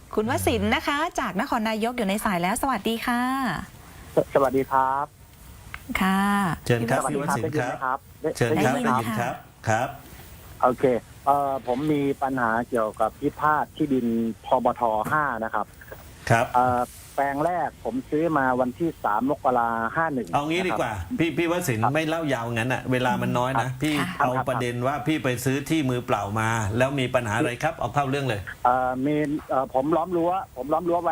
คุณวสินทร์นะคะ จากนครนายกอยู่ในสายแล้วสวัสดีค่ะสวัสดีครับค่ะเชิญครับสวัสพี่ดีวครับสินได้ทยิร์นครับไหมครับเชิญครับได้ได้ยิยินนค่ะครับครับโอเคผมมีปัญหาเกี่ยวกับพิพาทที่ดินพบท5นะครับครับแปลงแรกผมซื้อมาวันที่3 มกราคม 51 เอางี้ดีกว่าพี่วสินทร์ไม่เล่ายาวงั้นอ่ะเวลามันน้อยนะพี่ค่ะเอาประเด็นว่าพี่ไปซื้อที่มือเปล่ามา แล้วมีปัญหาอะไรครับเอาเข้าเรื่องเลยมีผมล้อมรั้วไว้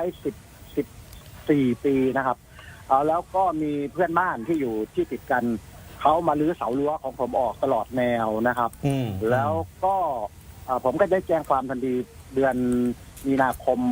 14 ปีนะครับแล้วก็มีเพื่อนบ้านที่อยู่ที่ติดกันเขามารื้อเสารั้วของผมออกตลอดแนวนะครับ แล้วก็ผมก็ได้แจ้งความทันทีเดือนมีนาคม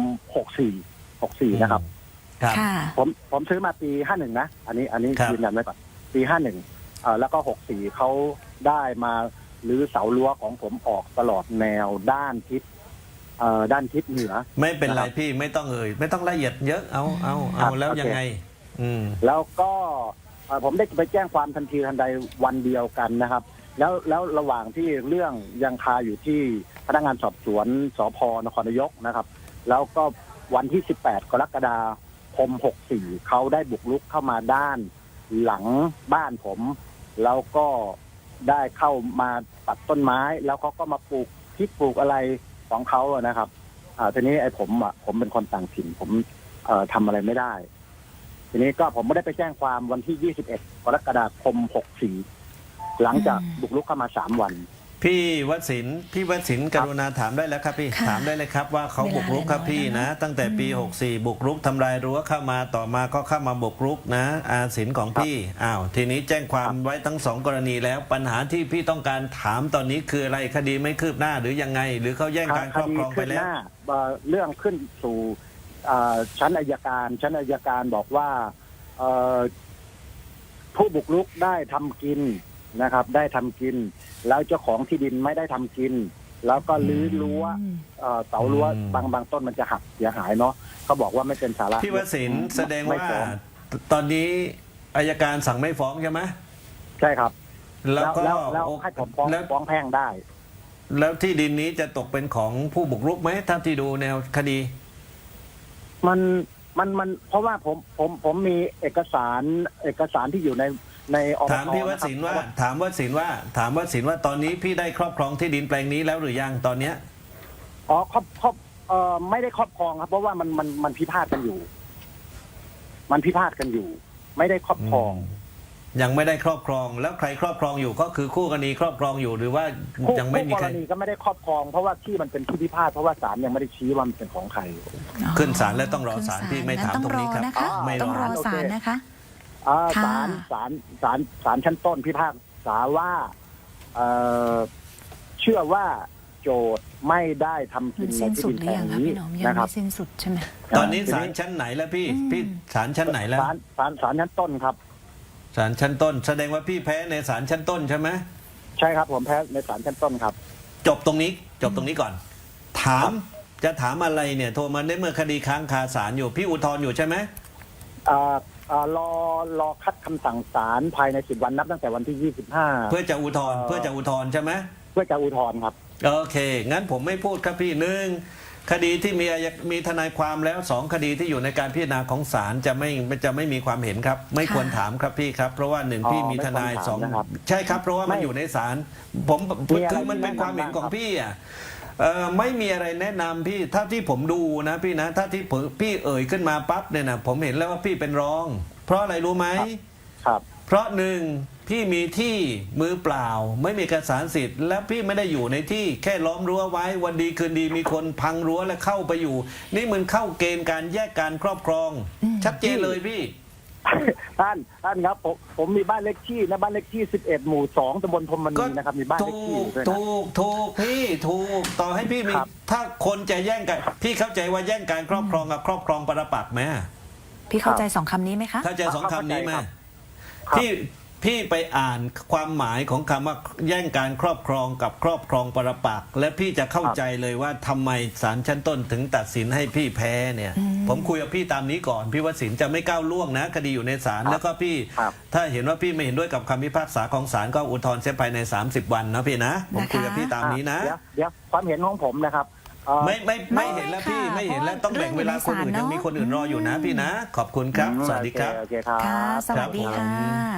64นะครับครับค่ะผมซื้อมาปี51นะอันนี้ครับยืนยันไว้ก่อนปี51แล้วก็64เขาได้มารื้อเสารั้วของผมออกตลอดแนวด้านทิศเหนือไม่เป็นไรนะครับพี่ไม่ต้องไม่ต้องละเอียดเยอะเอาครับแล้วโอเคยังไงแล้วก็ผมได้ไปแจ้งความทันทีทันใดวันเดียวกันนะครับ แล้วระหว่างที่เรื่องยังคาอยู่ที่พนักงานสอบสวนสพนครนายกนะครับ แล้วก็วันที่18 กรกฎาคม64เขาได้บุกรุกเข้ามาด้านหลังบ้านผม แล้วก็ได้เข้ามาตัดต้นไม้ แล้วเขาก็มาปลูกพริกปลูกอะไรของเขาอะนะครับทีนี้ผมเป็นคนต่างถิ่นผมทำอะไรไม่ได้ ทีนี้ก็ผมไม่ได้ไปแจ้งความวันที่ 21 กรกฎาคม 64หลังจากบุกรุกเข้ามา3 วันพี่วสินทร์กรุณาถามได้แล้วครับพี่ค่ะถามได้เลยครับว่าเขาเวลาบุกรุกครับพี่เหลือน้อยนะแล้วนะตั้งแต่ปี 64 บุกรุกทำลายรั้วเข้ามาต่อมาก็เข้ามาบุกรุกนะอาสินของพี่ทีนี้แจ้งความไว้ทั้งสองกรณีแล้วปัญหาที่พี่ต้องการถามตอนนี้คืออะไรคดีไม่คืบหน้าหรือยังไง หรือเขาแย่งการครอบครองไปแล้วคดีขึ้นหน้าเรื่องขึ้นสู่ชั้นอัยการบอกว่าผู้บุกรุกได้ทำกินนะครับ ได้ทำกิน แล้วเจ้าของที่ดินไม่ได้ทำกิน แล้วก็รื้อรั้วเสารั้วบางต้นมันจะหักเสียหายเนาะเขาบอกว่าไม่เป็นสาระพี่วสินทร์แสดงไม่ว่าฟ้องตอนนี้อัยการสั่งไม่ฟ้องใช่ไหมใช่ครับแล้วก็แล้วให้ผมฟ้องแพ่งได้แล้วที่ดินนี้จะตกเป็นของผู้บุกรุกไหมถ้าที่ดูแนวคดีมันเพราะว่าผมมีเอกสารที่อยู่ในอบตถามพี่วสินทร์ว่าถามวสินทร์ว่าตอนนี้พี่ได้ครอบครองที่ดินแปลงนี้แล้วหรือยังตอนเนี้ยไม่ได้ครอบครองครับ เพราะว่ามันพิพาทกันอยู่ ไม่ได้ครอบครองยังไม่ได้ครอบครองแล้วใครครอบครองอยู่ก็คือคู่กรณีครอบครองอยู่หรือว่ายังไม่มีคู่ใคกรรณีก็ไม่ได้ครอบครองเพราะว่าที่มันเป็นที่พิพาทเพราะว่าศาลยังไม่ได้ชี้ว่ามันเป็นของใครขึ้นศาลแล้วต้องรอศาลขึ้นพี่ไม่ถามงั้นตรงนี้ครับนะคะไม่ต้องรอรอศาลนะคะศาลชั้นต้นพิพากษาว่าเชื่อว่าโจทย์ไม่ได้ทำกิมันนในสิ้นที่สุดิดนหรือแปลยังงคะนี้พี่หนอมยังนะครัไม่บสิ้นสุดใช่ไหมตอนนี้ศาลชั้นไหนแล้วพี่ศาลชั้นไหนแล้วศาลชั้นต้นครับศาลชั้นต้น แสดงว่าพี่แพ้ในศาลชั้นต้นใช่ไหมใช่ครับผมแพ้ในศาลชั้นต้นครับจบตรงนี้ก่อน จะถามอะไรเนี่ยโทรมาได้เมื่อคดีค้างคาศาลอยู่พี่อุทธรณ์อยู่ใช่ไหมรอคัดคำสั่งศาลภายใน10 วันนับตั้งแต่วันที่25 เพื่อจะอุทธรณ์ใช่ไหมเพื่อจะอุทธรณ์ครับโอเค งั้นผมไม่พูดครับพี่หนึ่งคดีที่มีทนายความแล้ว2คดีที่อยู่ในการพิจารณาของศาลจะไม่มีความเห็นครับ ไม่ควรถามครับพี่ครับ เพราะว่า1พี่มีทนายไม่ควรถามนะครับใช่ครับเพราะว่ามันไม่อยู่ในศาลคือมันเป็นความเห็นของพี่อ่ะไม่มีอะไรแนะนำพี่ถ้าที่ผมดูนะพี่นะถ้าที่พี่เอ่ยขึ้นมาปั๊บเนี่ยนะผมเห็นแล้วว่าพี่เป็นรอง เพราะอะไรรู้ไหมครับเพราะหนึ่งพี่มีที่มือเปล่าไม่มีเอกสารสิทธิ์และพี่ไม่ได้อยู่ในที่แค่ล้อมรั้วไว้วันดีคืนดีมีคนพังรั้วและเข้าไปอยู่ นี่มันเข้าเกณฑ์การแยกการครอบครอง ชัดเจนเลยพี่ท่านครับผมมีบ้านเลขที่นะบ้านเลขที่11 หมู่ 2ตำบลพรหมณีนะครับมีบ้านเลขที่อยู่ด้วยนะถูกพี่ถูกต่อให้พี่มีครับถ้าคนจะแย่งกันพี่เข้าใจว่าแย่งการครอบครองกับครอบครองปรปักษ์ไหมพี่เข้าใจ2 คำนี้ไหมคะเข้าใจ2คำนี้ไหมครับพี่ไปอ่านความหมายของคำว่าแย่งการครอบครองกับครอบครองปรปักษ์และพี่จะเข้าใจเลยว่าทำไมศาลชั้นต้นถึงตัดสินให้พี่แพ้เนี่ย ผมคุยกับพี่ตามนี้ก่อนพี่วสินทร์จะไม่ก้าวล่วงนะคดีอยู่ในศาลแล้วก็พี่ครับถ้าเห็นว่าพี่ไม่เห็นด้วยกับคำพิพากษาของศาลก็อุทธรณ์เสียภายใน30 วันนะพี่นะผมคุยกับพี่ตามนี้นะเดี๋ยวความเห็นของผมนะครับไม่เห็นแล้วพี่ไม่ค่ะไม่เห็นแล้วเพราะต้องแบ่งเวลาคนอื่นเรื่องอยู่ในศาลยังมีคนอื่นรออยู่นะเนอะพี่นะ ขอบคุณครับ สวัสดีครับโอเคครับค่ะ สวัสดีครับผมค่ะ